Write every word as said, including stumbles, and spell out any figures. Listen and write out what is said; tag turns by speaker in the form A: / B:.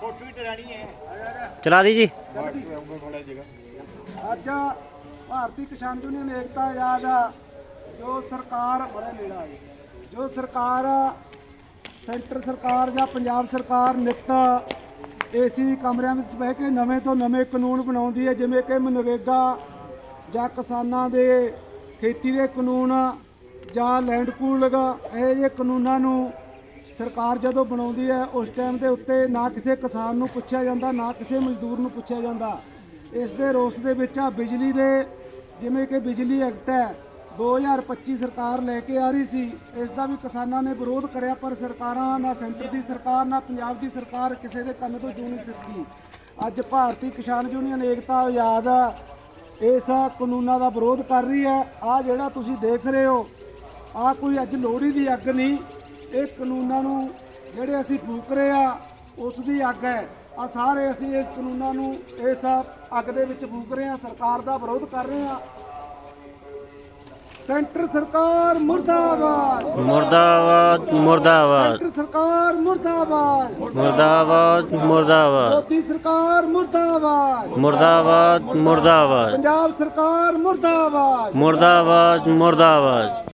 A: ਚਲਾ ਦੀ ਜੀ।
B: ਅੱਜ ਭਾਰਤੀ ਕਿਸਾਨ ਯੂਨੀਅਨ ਏਕਤਾ ਆਜ਼ਾਦ ਜੋ ਸਰਕਾਰ ਬੜਾ ਨੇੜਾ ਹੈ ਜੋ ਸਰਕਾਰ ਸੈਂਟਰ ਸਰਕਾਰ ਜਾਂ ਪੰਜਾਬ ਸਰਕਾਰ ਨਿੱਤ ਏਸੀ ਕਮਰਿਆਂ ਵਿੱਚ ਬਹਿ ਕੇ ਨਵੇਂ ਤੋਂ ਨਵੇਂ ਕਾਨੂੰਨ ਬਣਾਉਂਦੀ ਹੈ, ਜਿਵੇਂ ਕਿ ਮਨਰੇਗਾ ਜਾਂ ਕਿਸਾਨਾਂ ਦੇ ਖੇਤੀ ਦੇ ਕਾਨੂੰਨ ਜਾਂ ਲੈਂਡ ਪੂਲਿੰਗ, ਇਹ ਜਿਹੇ ਕਾਨੂੰਨਾਂ ਨੂੰ ਸਰਕਾਰ ਜਦੋਂ ਬਣਾਉਂਦੀ ਹੈ ਉਸ ਟਾਈਮ ਦੇ ਉੱਤੇ ਨਾ ਕਿਸੇ ਕਿਸਾਨ ਨੂੰ ਪੁੱਛਿਆ ਜਾਂਦਾ, ਨਾ ਕਿਸੇ ਮਜ਼ਦੂਰ ਨੂੰ ਪੁੱਛਿਆ ਜਾਂਦਾ। ਇਸ ਦੇ ਰੋਸ ਦੇ ਵਿੱਚ ਆ ਬਿਜਲੀ ਦੇ, ਜਿਵੇਂ ਕਿ ਬਿਜਲੀ ਐਕਟ ਹੈ ਦੋ ਹਜ਼ਾਰ ਪੱਚੀ ਸਰਕਾਰ ਲੈ ਕੇ ਆ ਰਹੀ ਸੀ, ਇਸ ਦਾ ਵੀ ਕਿਸਾਨਾਂ ਨੇ ਵਿਰੋਧ ਕਰਿਆ, ਪਰ ਸਰਕਾਰਾਂ ਨਾ ਸੈਂਟਰ ਦੀ ਸਰਕਾਰ ਨਾ ਪੰਜਾਬ ਦੀ ਸਰਕਾਰ ਕਿਸੇ ਦੇ ਕੰਨ ਤੋਂ ਜੂ ਨਹੀਂ ਸਕੀ। ਅੱਜ ਭਾਰਤੀ ਕਿਸਾਨ ਯੂਨੀਅਨ ਏਕਤਾ ਆਜ਼ਾਦ ਇਸ ਕਾਨੂੰਨਾਂ ਦਾ ਵਿਰੋਧ ਕਰ ਰਹੀ ਹੈ। ਆਹ ਜਿਹੜਾ ਤੁਸੀਂ ਦੇਖ ਰਹੇ ਹੋ, ਆਹ ਕੋਈ ਅੱਜ ਲੋਹੜੀ ਦੀ ਅੱਗ ਨਹੀਂ, ਇਹ ਕਾਨੂੰਨਾਂ ਨੂੰ ਜਿਹੜੇ ਅਸੀਂ ਫੂਕ ਰਹੇ ਆ ਉਸ ਦੀ ਅੱਗ ਹੈ। ਆ ਸਾਰੇ ਅਸੀਂ ਇਸ ਕਾਨੂੰਨਾਂ ਨੂੰ ਇਸ ਅੱਗ ਦੇ ਵਿੱਚ ਫੂਕ ਰਹੇ ਆ, ਸਰਕਾਰ ਦਾ ਵਿਰੋਧ ਕਰ ਰਹੇ ਆ। ਸੈਂਟਰ ਸਰਕਾਰ ਮੁਰਦਾਬਾਦ,
A: ਮੁਰਦਾਬਾਦ ਮੁਰਦਾਬਾਦ
B: ਸੈਂਟਰ ਸਰਕਾਰ ਮੁਰਦਾਬਾਦ,
A: ਮੁਰਦਾਬਾਦ ਮੁਰਦਾਬਾਦ
B: ਮੋਦੀ ਸਰਕਾਰ ਮੁਰਦਾਬਾਦ,
A: ਮੁਰਦਾਬਾਦ ਮੁਰਦਾਬਾਦ
B: ਪੰਜਾਬ ਸਰਕਾਰ ਮੁਰਦਾਬਾਦ।
A: ਮੁਰਦਾਬਾਦ ਮੁਰਦਾਬਾਦ।